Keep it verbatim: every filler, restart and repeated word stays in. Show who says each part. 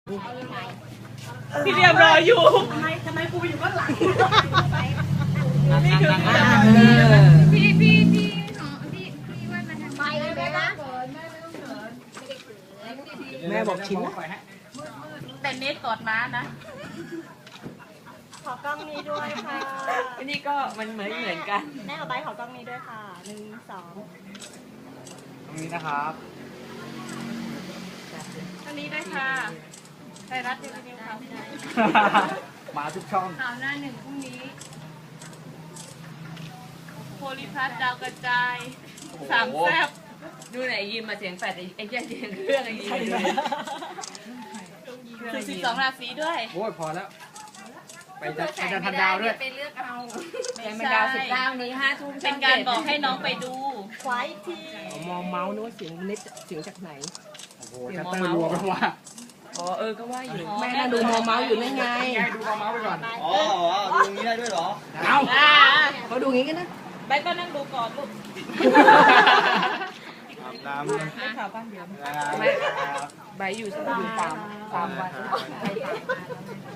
Speaker 1: พี่เรียบรออยู่
Speaker 2: ทำไมทำไมกูไปอยู่ข้างหลัง
Speaker 1: นี่คือพี่พี่พี่ของพี่พี่ว่ามันไปเลยนะ
Speaker 3: แม่บอกชิ้นนะ
Speaker 1: แต่เน็ตกอดม้านะ
Speaker 2: ขอกล้องนี้ด้วยค่ะ
Speaker 3: อันนี้ก็มันเหมือนเหมือนกัน
Speaker 2: แม่เอาใบขอกล้องนี้ด้วยค่ะหนึ่งสอง
Speaker 4: ตรงนี้นะครับ
Speaker 1: อันนี้ได้ค่ะไทยรัฐทีวีข่าว
Speaker 4: มาทุกช่อง
Speaker 1: ข่าวหน้าหนึ่งพรุ่งนี้โพลิพัทดาวกระจายสามแซ่บ
Speaker 3: ดูไหนยิมมาเสียงแปดไอ้เจ้าเสียงเครื่องไอ้ยิมเลย
Speaker 1: คือสิบสองราศีด้วย
Speaker 4: โอ้ยพอแล้ว ไปจัดไปจัดพันดาวด้วย
Speaker 1: ไปเลือกเอา
Speaker 3: แข่งมันดาวสิบเก้านี้ห้าทุ่ม
Speaker 1: เป็นการบอกให้น้องไปดู
Speaker 2: ควายที
Speaker 3: มองเมาส์นึกว่าเสียงเน็ตเสียงจากไหน
Speaker 4: โอ้โหชัตเตอร์รัวไปว่า
Speaker 3: อ๋อเออก็ว่าอยู่แม่น่าดูมองเมาส์อยู่นั่นไง
Speaker 4: ไงดูเอาเมาส์ไปก่อน
Speaker 5: อ๋อดูอย่างนี้ได้ด้วยเหรอ
Speaker 4: เอา
Speaker 1: อ่า
Speaker 3: เขาดูงี้กันนะ
Speaker 1: ใบก็นั่งดูก่อนลูก
Speaker 5: น้ำ
Speaker 1: ได้ข่าวบ้านเดียว
Speaker 3: ไม่ใบอยู่อยู่ตามตามวัน